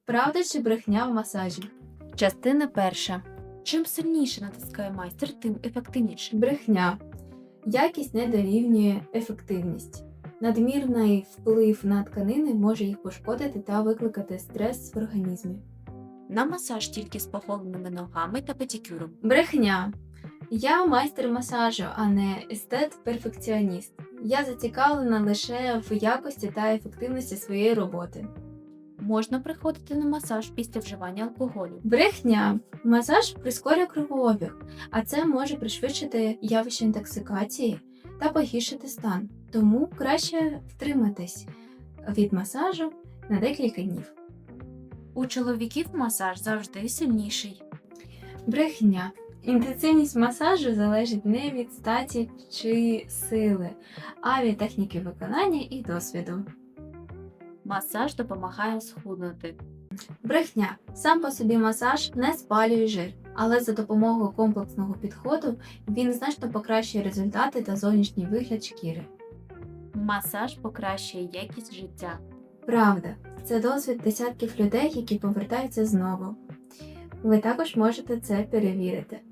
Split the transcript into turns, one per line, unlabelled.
Правда чи брехня в масажі?
Частина перша. Чим сильніше натискає майстер, тим ефективніше.
Брехня. Якість не дорівнює ефективність. Надмірний вплив на тканини може їх пошкодити та викликати стрес в організмі.
На масаж тільки з поголеними ногами та педикюром.
Брехня. Я майстер масажу, а не естет-перфекціоніст. Я зацікавлена лише в якості та ефективності своєї роботи.
Можна приходити на масаж після вживання алкоголю.
Брехня. Масаж прискорює кровообіг, а це може пришвидшити явище інтоксикації та погіршити стан. Тому краще втриматись від масажу на декілька днів.
У чоловіків масаж завжди сильніший.
Брехня. Інтенсивність масажу залежить не від статі чи сили, а від техніки виконання і досвіду.
Масаж допомагає схуднути.
Брехня. Сам по собі масаж не спалює жир, але за допомогою комплексного підходу він значно покращує результати та зовнішній вигляд шкіри.
Масаж покращує якість життя.
Правда. Це досвід десятків людей, які повертаються знову. Ви також можете це перевірити.